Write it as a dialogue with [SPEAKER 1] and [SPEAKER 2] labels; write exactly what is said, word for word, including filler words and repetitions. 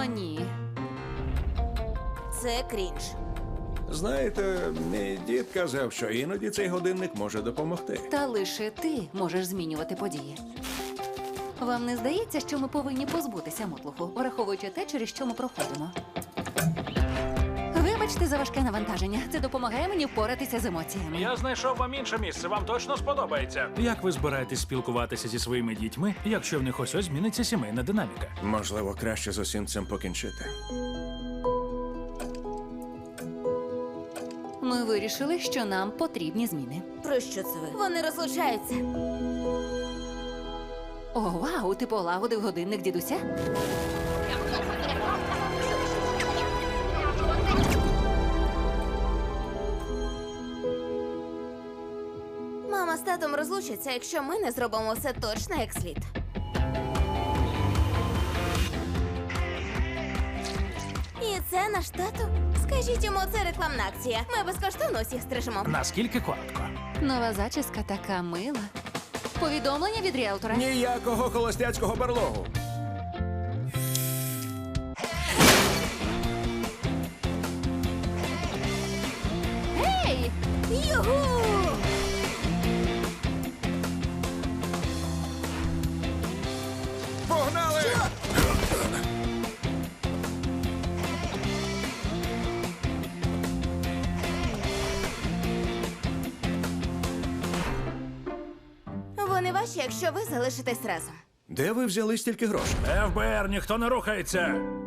[SPEAKER 1] О, ні.
[SPEAKER 2] Це крінж.
[SPEAKER 3] Знаєте, мій дід казав, що іноді цей годинник може допомогти.
[SPEAKER 1] Та лише ти можеш змінювати події. Вам не здається, що ми повинні позбутися мотлуху, враховуючи те, через що ми проходимо? Вибачте за важке навантаження. Це допомагає мені впоратися з емоціями.
[SPEAKER 4] Я знайшов вам інше місце, вам точно сподобається. Як ви збираєтесь спілкуватися зі своїми дітьми, якщо в них ось ось зміниться сімейна динаміка?
[SPEAKER 3] Можливо, краще з усім цим покінчити.
[SPEAKER 1] Ми вирішили, що нам потрібні зміни.
[SPEAKER 2] Про що це ви? Вони розлучаються.
[SPEAKER 1] О, вау, ти полагодив годинник дідуся?
[SPEAKER 2] Мама з татом розлучаться, якщо ми не зробимо все точно як слід. І це наш тато? Скажіть йому, це рекламна акція. Ми безкоштовно усіх стрижемо.
[SPEAKER 4] Наскільки коротко?
[SPEAKER 1] Нова зачіска така мила. Повідомлення від ріелтора.
[SPEAKER 3] Ніякого холостяцького барлогу.
[SPEAKER 1] Ей!
[SPEAKER 2] Югу!
[SPEAKER 3] Погнали!
[SPEAKER 2] Вони ваші, якщо ви залишитесь разом.
[SPEAKER 3] Де ви взяли стільки грошей?
[SPEAKER 4] еф бе ер, ніхто не рухається.